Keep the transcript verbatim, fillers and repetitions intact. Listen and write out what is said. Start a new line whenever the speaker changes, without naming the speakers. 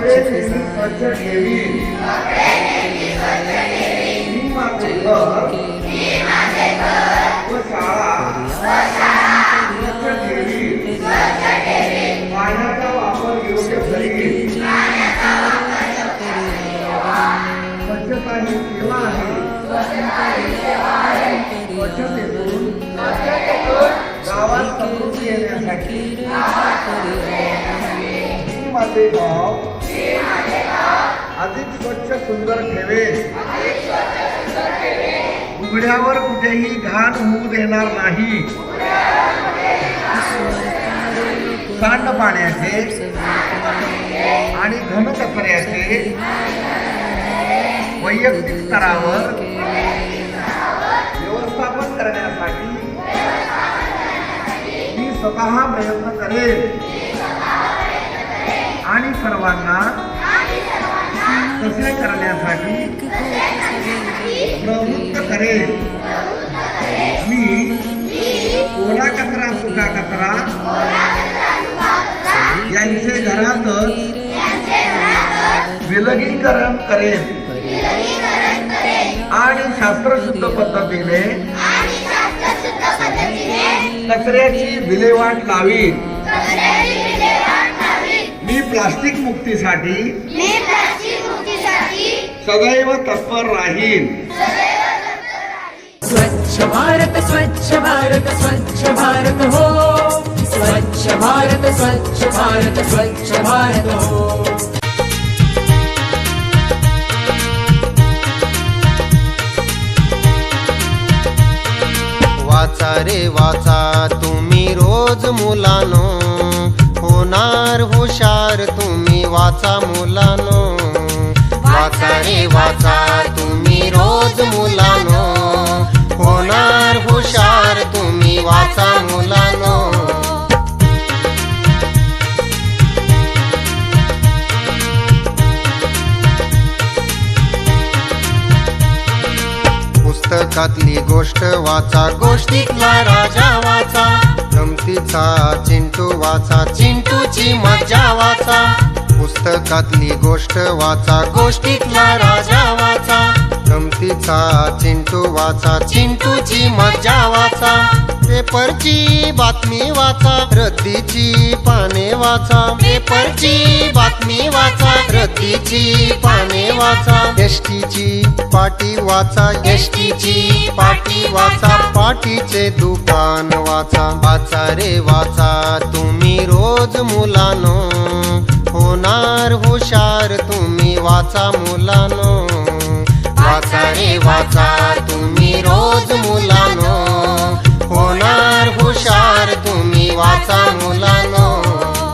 नेहमी स्वच्छ ठेवी मी माझे घर व शाळा स्वच्छ ठेवी पाण्याचा वापर योग्य करीन स्वच्छता ही सेवा आहे स्वच्छतेतून गावात समृद्धी येण्यासाठी मी माझे गाव अधिक स्वच्छ सुंदर ठेवेन उघड्यावर कुठेही घाण होऊ देणार नाही सांडपाण्याचे आणि घनकचऱ्याचे वैयक्तिक स्तरावर व्यवस्थापन करण्यासाठी मी स्वतः प्रयत्न करेन आणि सर्वांना तसे करण्यासाठी प्रवृत्त करेन मी ओला कचरा सुका कचरा यांचे घरातच विलगीकरण करेन आणि शास्त्रशुद्ध पद्धतीने कचऱ्याची विल्हेवाट लावीन मी प्लास्टिक मुक्तीसाठी सदैव तत्पर राहीन
स्वच्छ भारत स्वच्छ भारत स्वच्छ भारत हो स्वच्छ भारत स्वच्छ भारत स्वच्छ भारत हो
वाचा रे वाचा तुम्ही रोज मुलानो होणार हुशार तुम्ही वाचा मुलानो वाचा रे वाचा तुम्ही रोज मुलानो होणार हुशार तुम्ही वाचा मुलानो पुस्तकातली गोष्ट वाचा गोष्टीतला राजा वाचा गमतीचा चिंटू वाचा चिंटूची मज्जा वाचा पुस्तकातली गोष्ट वाचा गोष्टीतला राजा वाचा गमतीचा चिंटू वाचा चिंटूची मज्जा वाचा पेपरची बातमी वाचा रद्दीची पाने वाचा पेपरची बातमी वाचा रद्दीची पाने वाचा एसटीची पाटी वाचा एसटीची पाटी वाचा पाटीचे दुकान वाचा वाचा रे वाचा तुम्ही रोज मुलानो होणार हुशार तुम्ही वाचा मुलानो वाचा रे वाचा तुम्ही रोज मुलानो